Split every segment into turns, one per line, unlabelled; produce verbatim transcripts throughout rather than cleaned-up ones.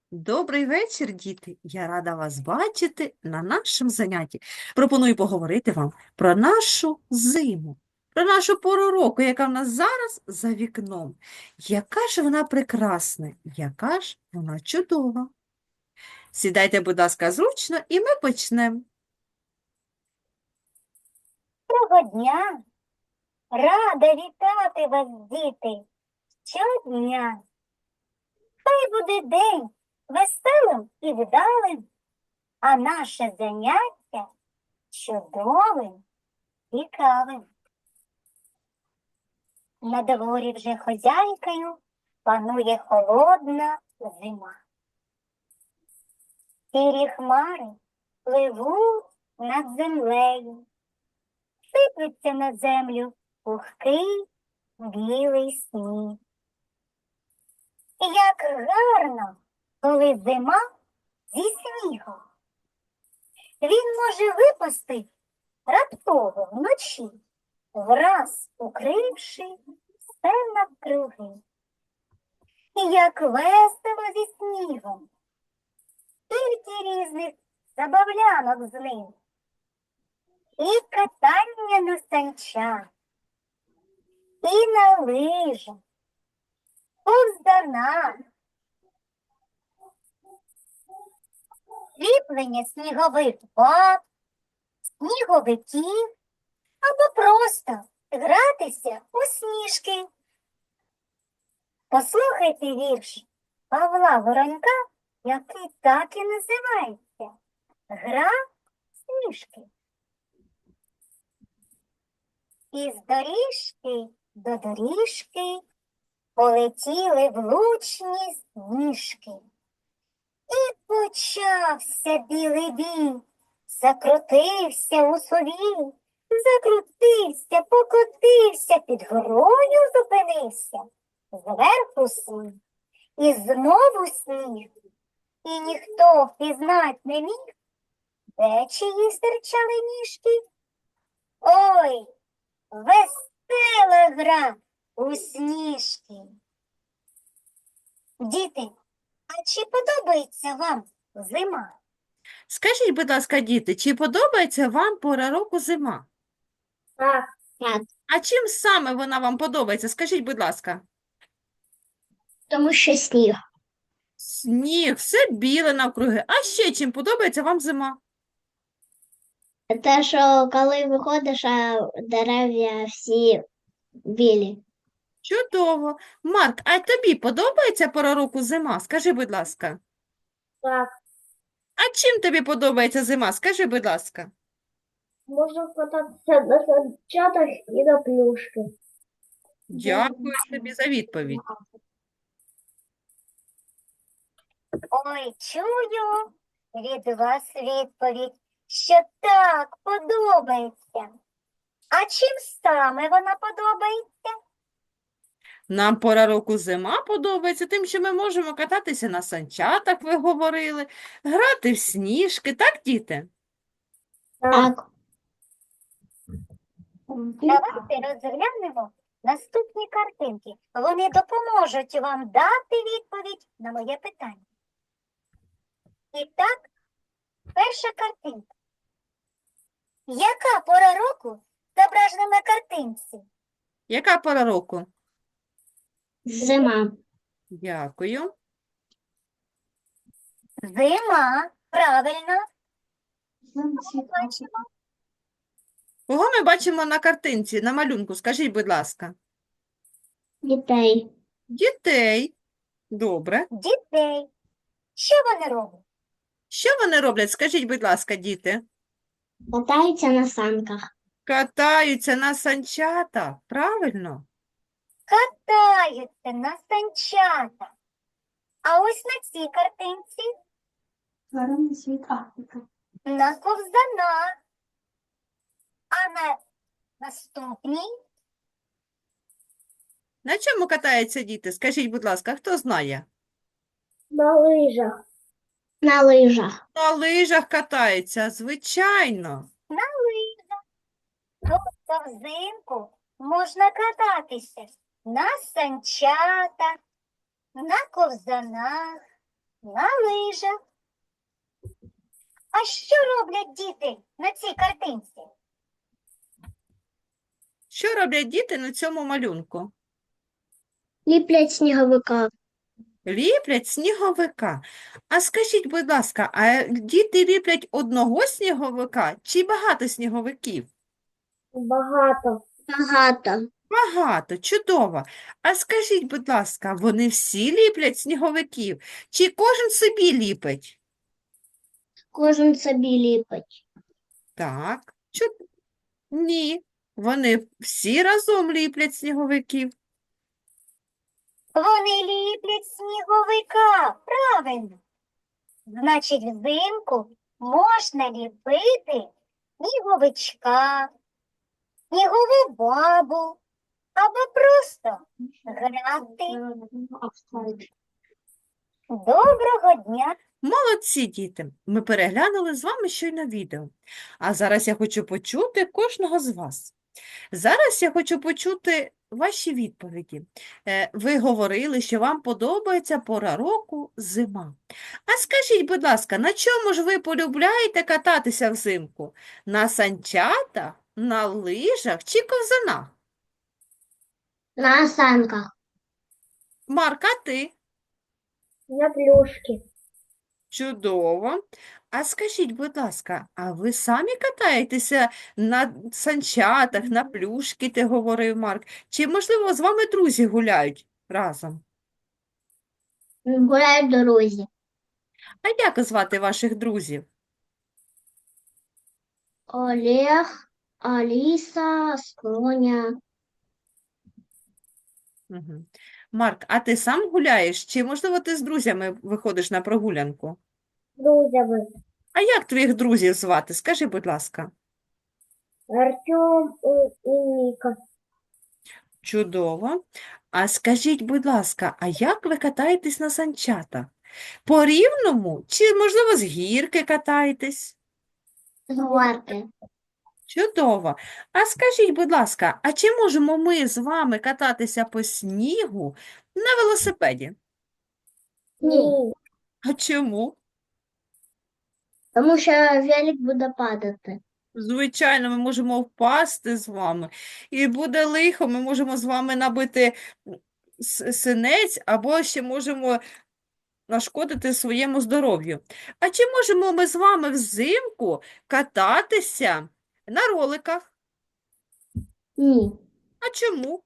Добрий вечір, діти! Я рада вас бачити на нашому занятті. Пропоную поговорити вам про нашу зиму, про нашу пору року, яка в нас зараз за вікном. Яка ж вона прекрасна, яка ж вона чудова. Сідайте, будь ласка, зручно, і ми почнемо.
Доброго дня! Рада вітати вас, діти, щодня. Хай буде день веселим і вдалим, а наше заняття чудовим, цікавим. На дворі вже хозяйкою панує холодна зима. Сірі хмари пливуть над землею, сиплеться на землю пухкий білий сніг. І як гарно, коли зима зі снігом. Він може випасти раптово вночі, враз укривши все навкруги. І як весело зі снігом, скільки різних забавлянок з ним. І катання на санчах, і на лижах, ковзанах, ліплення снігових баб, сніговиків або просто гратися у сніжки. Послухайте вірш Павла Воронька, який так і називається «Гра сніжки». Із доріжки до доріжки полетіли влучні сніжки. І почався білий бій, закрутився у сові, закрутився, покотився, під горою зупинився, зверху сніг, і знову сніг. І ніхто впізнать не міг, де чиї стирчали ніжки. Ой, весела гра у сніжки. Діти, а чи подобається вам зима?
Скажіть, будь ласка, діти, чи подобається вам пора року зима?
Так. Так.
А чим саме вона вам подобається? Скажіть, будь ласка.
Тому що сніг.
Сніг, все біле навкруги. А ще чим подобається вам зима?
Те, що коли виходиш, а дерев'я всі білі.
Чудово. Марк, а тобі подобається пора року зима? Скажи, будь ласка.
Так.
А чим тобі подобається зима? Скажи, будь ласка.
Можна кататися на санчатах і на плюшки.
Дякую тобі за відповідь.
Ой, чую від вас відповідь, що так подобається. А чим саме вона подобається?
Нам пора року зима подобається тим, що ми можемо кататися на санчатах, ви говорили, грати в сніжки, так, діти?
Так.
Давайте розглянемо наступні картинки. Вони допоможуть вам дати відповідь на моє питання. І так, перша картинка. Яка пора року зображена на картинці?
Яка пора року?
Зима.
Дякую.
Зима, правильно. Бачимо.
Кого ми бачимо на картинці, на малюнку? Скажіть, будь ласка.
Дітей.
Дітей. Добре.
Дітей. Що вони роблять?
Що вони роблять? Скажіть, будь ласка, діти.
Катаються на санках.
Катаються на санчатах, правильно?
Катаються на санчатах. А ось на цій картинці
Тваринний світ Африки.
на ковзанах. А на наступній
На чому катаються діти? Скажіть, будь ласка, хто знає?
на лижах.
На лижах.
На лижах катаються, звичайно.
На лижах. Тобто взимку можна кататися на санчатах, на ковзанах,
На лижах. А що роблять діти на цій картинці?
Що роблять діти на цьому малюнку?
Ліплять сніговика.
Ліплять сніговика. А скажіть, будь ласка, а діти ліплять одного сніговика чи багато сніговиків?
Багато.
Багато.
Багато, чудово. А скажіть, будь ласка, вони всі ліплять сніговиків? Чи кожен собі ліпить?
Кожен собі ліпить.
Так, чу... Ні, вони всі разом ліплять сніговиків.
Вони ліплять сніговика. Правильно. Значить, взимку можна ліпити сніговичка, снігову бабу або просто грати. Доброго дня!
Молодці, діти! Ми переглянули з вами щойно відео. А зараз я хочу почути кожного з вас. Зараз я хочу почути ваші відповіді. Е, Ви говорили, що вам подобається пора року зима. А скажіть, будь ласка, на чому ж ви полюбляєте кататися взимку? На санчатах, на лижах чи ковзанах?
На санках.
Марка, ти?
На плюшки.
Чудово. А скажіть, будь ласка, а ви самі катаєтеся на санчатах, на плюшки, ти говорив Марк? Чи, можливо, з вами друзі гуляють разом?
Гуляють в дорозі.
А як звати ваших друзів?
Олег, Аліса, Соня.
Угу. Марк, а ти сам гуляєш? Чи, можливо, ти з друзями виходиш на прогулянку?
Друзями.
А як твоїх друзів звати? Скажи, будь ласка.
Артем і, і Ніка.
Чудово. А скажіть, будь ласка, а як ви катаєтесь на санчатах? По рівному чи, можливо, з гірки катаєтесь?
Гварки.
Чудово. А скажіть, будь ласка, а чи можемо ми з вами кататися по снігу на велосипеді?
Ні.
А чому?
Тому що велик буде падати.
Звичайно, ми можемо впасти з вами, і буде лихо, ми можемо з вами набити с- синець, або ще можемо нашкодити своєму здоров'ю. А чи можемо ми з вами взимку кататися на роликах?
Ні.
А чому?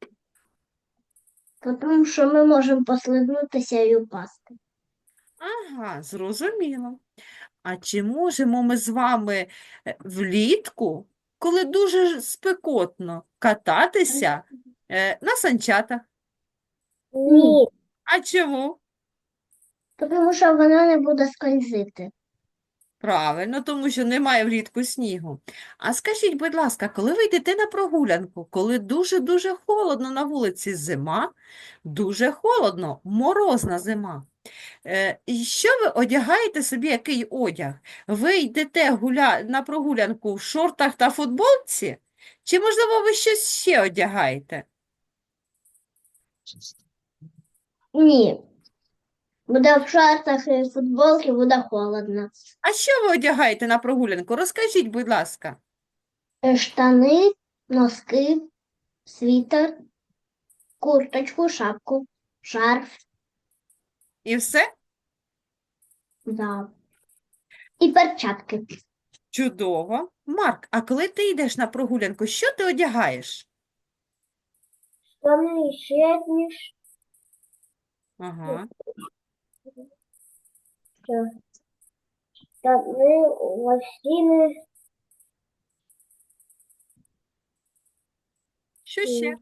Тому що ми можемо послизнутися і упасти.
Ага, зрозуміло. А чи можемо ми з вами е, влітку, коли дуже ж спекотно, кататися е, на санчатах?
Ні.
А чому?
Тому що вона не буде скользити.
Правильно, тому що немає влітку снігу. А скажіть, будь ласка, коли ви йдете на прогулянку, коли дуже-дуже холодно на вулиці зима, дуже холодно, морозна зима, е, і що ви одягаєте собі, який одяг? Ви йдете гуля... на прогулянку в шортах та футболці? Чи, можливо, ви щось ще одягаєте?
Ні. Буде в шортах і футболці, буде холодно.
А що ви одягаєте на прогулянку? Розкажіть, будь ласка.
Е, Штани, носки, світер, курточку, шапку, шарф.
І все?
Да. І перчатки.
Чудово. Марк, а коли ти йдеш на прогулянку, що ти одягаєш?
Штани щетні.
Ага.
Штани, лосіни.
Що ще?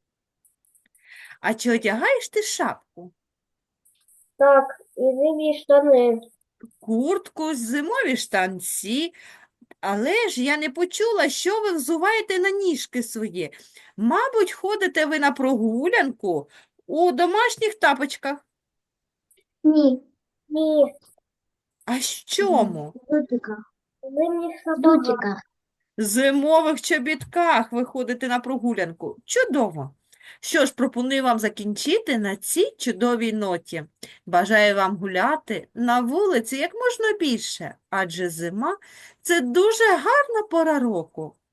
А чи одягаєш ти шапку?
Так, і зимні штани.
Куртку, зимові штанці? Але ж я не почула, що ви взуваєте на ніжки свої. Мабуть, ходите ви на прогулянку у домашніх тапочках.
Ні.
Ні.
А в чому?
Дутиках.
Зимніх сапогах.
Дутиках.
Зимових чобітках ви ходите на прогулянку. Чудово. Що ж, пропоную вам закінчити на цій чудовій ноті. Бажаю вам гуляти на вулиці як можна більше, адже зима – це дуже гарна пора року.